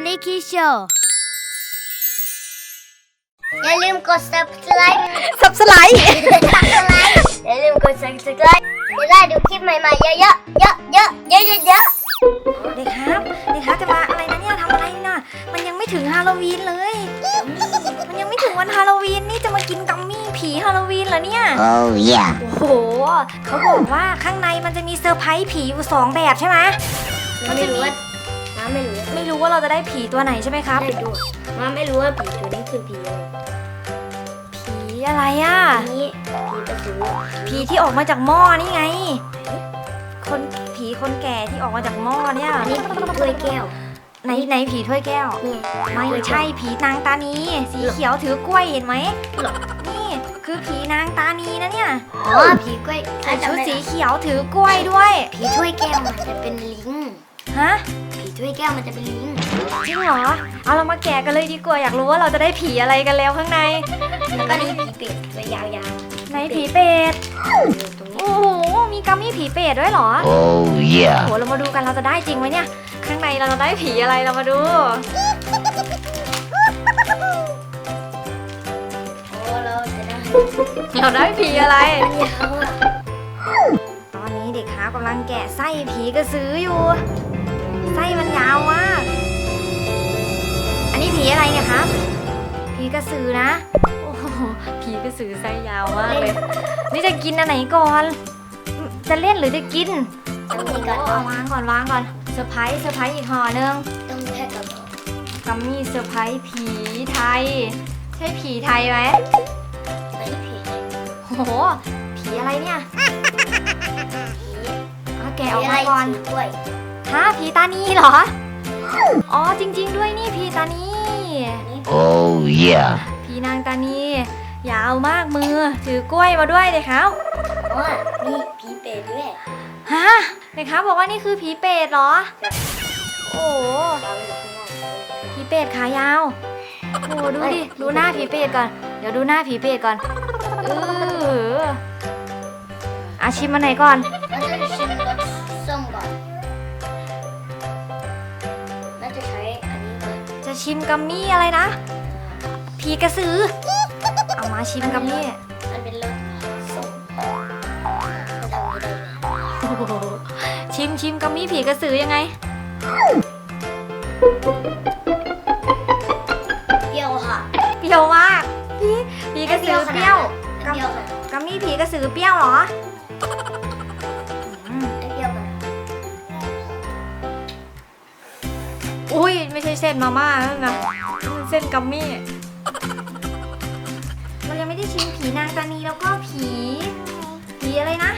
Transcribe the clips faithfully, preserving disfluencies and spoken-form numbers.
Funny Kids Show อย่าลืมกด subscribe Subscribe อย่าลืมกด subscribe จะได้ดูคลิปใหม่ๆเยอะๆเยอะๆเยอะๆเยอะๆเยอะๆเด็กครับเด็กครับจะมาอะไรนะเนี่ยทำอะไรน่ะมันยังไม่ถึงฮาโลวีนเลยมันยังไม่ถึงวันฮาโลวีนนี่จะมากินกัมมี่ผีฮาโลวีนเหรอเนี่ย Oh yeah โอ้โหเขาบอกว่าข้างในมันจะมีเซอร์ไพรส์ผีอยู่สองแบบใช่ไหมมันไม่รู้ว่าน้าไม่รู้ไม่รู้ว่าเราจะได้ผีตัวไหนใช่ไหมครับไม่ดูน้าไม่รู้ว่าผีตัวนี้คือผีอะไรผีอะไรอ่ะอันนี้ผีกระสือผีที่ออกมาจากหม้อนี่ไง คนผีคนแก่ที่ออกมาจากหม้อเนี่ยอันนี้ผีถ้วยแก้วไหนไหนผีถ้วยแก้วนี่ไม่ใช่ผีนางตานีสีเขียวถือกล้วยเห็นไหมนี่คือผีนางตานีนะเนี่ยอ๋อผีกล้วยใส่ชุดสีเขียวถือกล้วยด้วยผีถ้วยแก้วมันจะเป็นลิงฮะผีถ้วยแก้วมันจะเป็นลิงจริงเหรอเอาเรามาแกะกันเลยดีกว่าอยากรู้ว่าเราจะได้ผีอะไรกันแล้วข้างในแล้วก็นี่ผีเป็ดตัวยาวไหนผีเป็ดๆตรงนี้โอ้โหมีกัมมี่ผีเป็ดด้วยเหรอ Oh โอ้ yeah โหเรามาดูกันเราจะได้จริงไหมเนี่ยข้างในเราจะได้ผีอะไรเรามาดูโอ้เราจะได้เราได้ผีอะไรมันยาวอ่ะตอนนี้เด็กค้ากำลังแกะไส้ผีกระสืออยู่ ไส้มันยาวมาก อันนี้ผีอะไรเนี่ยครับ ผีกระสือนะ โอ้โห ผีกระสือไส้ยาวมากเลย นี่จะกินอันไหนก่อน จะเล่นหรือจะกินต้องมีก่อนเอาวางก่อนวางก่อน เซอร์ไพรส์เซอร์ไพรส์อีกห่อนึงต้องแค่กับกัมมี่เซอร์ไพรส์ผีไทย ใช่ผีไทยไหมไม่ผีโอ้โห ผีอะไรเนี่ยผีเอาแกะออกมาก่อนผีะไรถืกล้วยฮะผีตานีเหรอ อ๋อจริงๆด้วยนี่ผีตานี Oh yeah ผีนางตานียาวมากมือถือกล้วยมาด้วยเลยครับอ๋อมีผีเป็ดด้วยฮะเด็กครับบอกว่านี่คือผีเป็ดเหรอ โอ้โหเราอยู่ข้างนอกผีเป็ดขายาวโอ้โหดูดิดูหน้าผีเป็ดก่อนเดี๋ยวดูหน้าผีเป็ดก่อนเอออาชิมมาไหนก่อนเราจะชิมรสส้มก่อนน่าจะใช้อันนี้ก่อนจะชิมกัมมี่อะไรนะผีกระสือเอามาชิมกัมมี่มันเป็นรสส้มจะทำไม่ได้โอ้โหชิมชิมกัมมี่ผีกระสือยังไงเปรี้ยวค่ะเปรี้ยวมากผีผีกระสือเปรี้ยวเปรี้ยวค่ะกัมมี่ผีกระสือเปรี้ยวเหรออืมเปรี้ยวค่ะอุ้ยไม่ใช่เส้นมาม่าแล้วนะมันเส้นกัมมี่เรายังไม่ได้ชิมผีนางตานีแล้วก็ผีผีอะไรนะ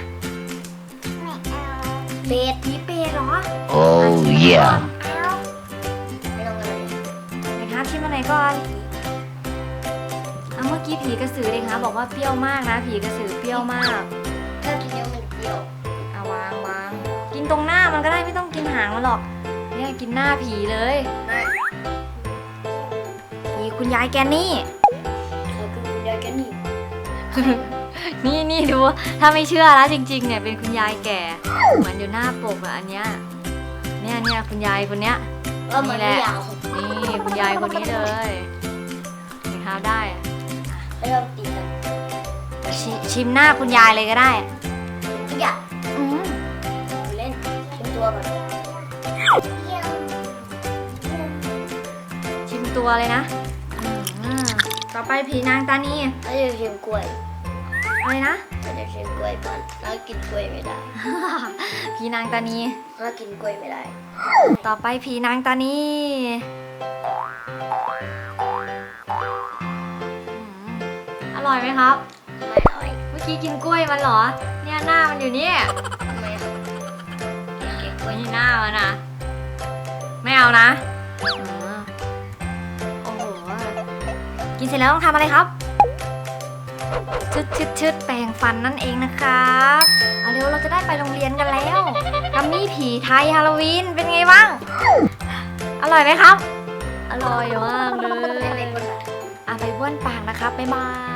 เป็ดผีเป็ดเหรอ Oh yeah ไม่ต้องอะไรเลยไหนครับชิมมาไหนก่อนเอาเมื่อกี้ผีกระสือเลยครับบอกว่าเปรี้ยวมากนะผีกระสือเปรี้ยวมากถ้ากินเยอะมันเปรี้ยวเอาวางวางกินตรงหน้ามันก็ได้ไม่ต้องกินหางมันหรอกเนี่ยกินหน้าผีเลยผีคุณยายแกนี่เขาคือคุณยายแกนี่นี่นี่ดูถ้าไม่เชื่อแล้วจริงๆเนี่ยเป็นคุณยายแก่เหมือนอยู่หน้าปกอะอันเนี้ยเนี่ยเนี่ยคุณยายคนเนี้ยว่ามันไม่ยาวนี่คุณยายคนนี้เลยนี่ครับได้อะไม่ต้องตีกันชชิมหน้าคุณยายเลยก็ได้ทุกอย่างอืมเล่นชิมตัวก่อนชิมตัวเลยนะอืมต่อไปผีนางตานีเราจะชิมกล้วยอะไรนะเราจะชิมกล้วยก่อนเรากินกล้วยไม่ได้ผีนางตานีเรากินกล้วยไม่ได้ต่อไปผีนางตานีอืมอร่อยไหมครับไม่อร่อยเมื่อกี้กินกล้วยมันเหรอ เนี่ยหน้ามันอยู่เนี่ยทำไมครับเก็บกล้วยนี่หน้ามันนะไม่เอานะอ๋อโอ้โห กินเสร็จแล้วต้องทำอะไรครับ ชึดชึดชึดแปรงฟันนั่นเองนะครับเอาเร็วเราจะได้ไปโรงเรียนกันแล้วกัมมี่ผีไทยฮาโลวีนเป็นไงบ้าง อร่อยไหมครับ อร่อยมากเลไม่ยเป็นคนละอ่ะไปบ้วนปากนะครับบ๊ายบาย